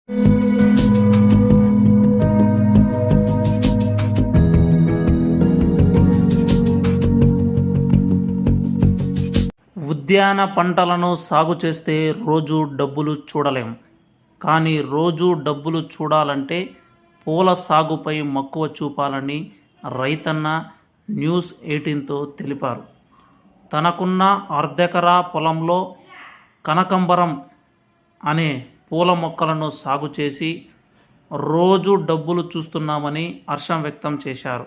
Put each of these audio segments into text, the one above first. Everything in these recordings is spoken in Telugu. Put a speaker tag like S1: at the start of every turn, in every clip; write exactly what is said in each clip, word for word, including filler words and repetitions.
S1: ఉద్యాన పంటలను సాగు చేస్తే రోజు డబ్బులు చూడలేం, కానీ రోజు డబ్బులు చూడాలంటే పూల సాగుపై మక్కువ చూపాలని రైతన్న న్యూస్ ఎయిటీన్తో తెలిపారు. తనకున్న అర్ధెకరా పొలంలో కనకంబరం అనే పూల మొక్కలను సాగు చేసి రోజు డబ్బులు చూస్తున్నామని హర్షం వ్యక్తం చేశారు.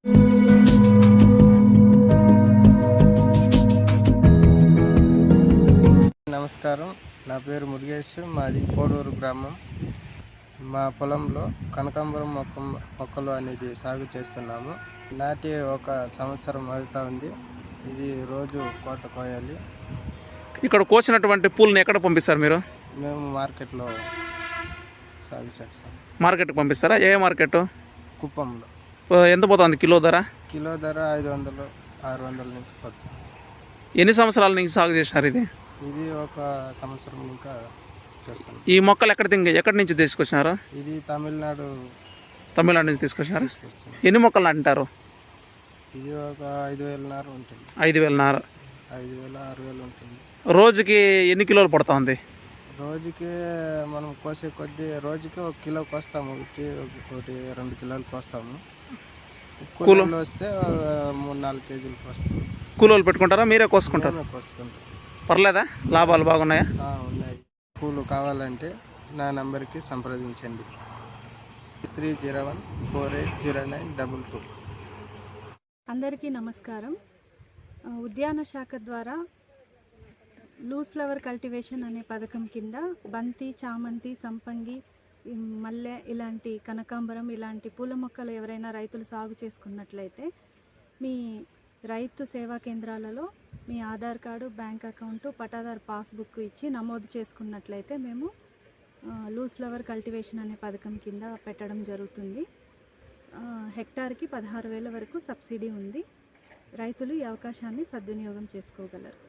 S2: నమస్కారం, నా పేరు మురుగేష్. మాది కోడూరు గ్రామం. మా పొలంలో కనకాంబరం మొక్క మొక్కలు అనేది సాగు చేస్తున్నాము. నాటి ఒక సంవత్సరం అవుతా ఉంది. ఇది రోజు కోత కోయాలి.
S3: ఇక్కడ కోసినటువంటి పూలను ఎక్కడ పంపిస్తారు మీరు?
S2: మేము మార్కెట్లో సాగు చేస్తాం.
S3: మార్కెట్కి పంపిస్తారా? ఏ మార్కెట్?
S2: కుప్పంలో.
S3: ఎంత పోతుంది కిలో ధర?
S2: కిలో ధర ఐదు వందలు ఆరు వందల నుంచి పోతుంది.
S3: ఎన్ని సంవత్సరాల నుంచి సాగు చేశారు ఇది?
S2: ఇది ఒక సంవత్సరం ఇంకా చేస్తాను.
S3: ఈ మొక్కలు ఎక్కడ తింగ ఎక్కడి నుంచి తీసుకొచ్చినారు?
S2: ఇది తమిళనాడు
S3: తమిళనాడు నుంచి తీసుకొచ్చినారు. ఎన్ని మొక్కలు అంటారు?
S2: ఇది ఒక ఐదు వేలన్నర ఉంటుంది.
S3: ఐదు వేలన్నర
S2: ఐదు వేల ఆరు వేలు ఉంటుంది.
S3: రోజుకి ఎన్ని కిలోలు పడుతూ ఉంది?
S2: రోజుకి మనం కోసే కొద్ది రోజుకి ఒక కిలో కోస్తాము. ఒకటి ఒకటి రెండు కిలోలు కోస్తాము. కూలీలు వస్తే మూడు నాలుగు కేజీలు కోస్తాము.
S3: కూలీలు పెట్టుకుంటారా? మీరే కోసుకుంటారా?
S2: కోసుకుంటాం.
S3: పర్లేదా? లాభాలు బాగున్నాయా?
S2: ఉన్నాయి. పూలు కావాలంటే నా నంబర్కి సంప్రదించండి. Three zero one four eight zero nine double two.
S4: అందరికీ నమస్కారం. ఉద్యాన శాఖ ద్వారా లూజ్ ఫ్లవర్ కల్టివేషన్ అనే పథకం కింద బంతి, చామంతి, సంపంగి, మల్లె ఇలాంటి కనకాంబరం ఇలాంటి పూల మొక్కలు ఎవరైనా రైతులు సాగు చేసుకున్నట్లయితే మీ రైతు సేవా కేంద్రాలలో మీ ఆధార్ కార్డు, బ్యాంక్ అకౌంటు, పటాదారు పాస్బుక్ ఇచ్చి నమోదు చేసుకున్నట్లయితే మేము లూజ్ ఫ్లవర్ కల్టివేషన్ అనే పథకం కింద పెట్టడం జరుగుతుంది. హెక్టార్కి పదహారు వేల వరకు సబ్సిడీ ఉంది. రైతులు ఈ అవకాశాన్ని సద్వినియోగం చేసుకోగలరు.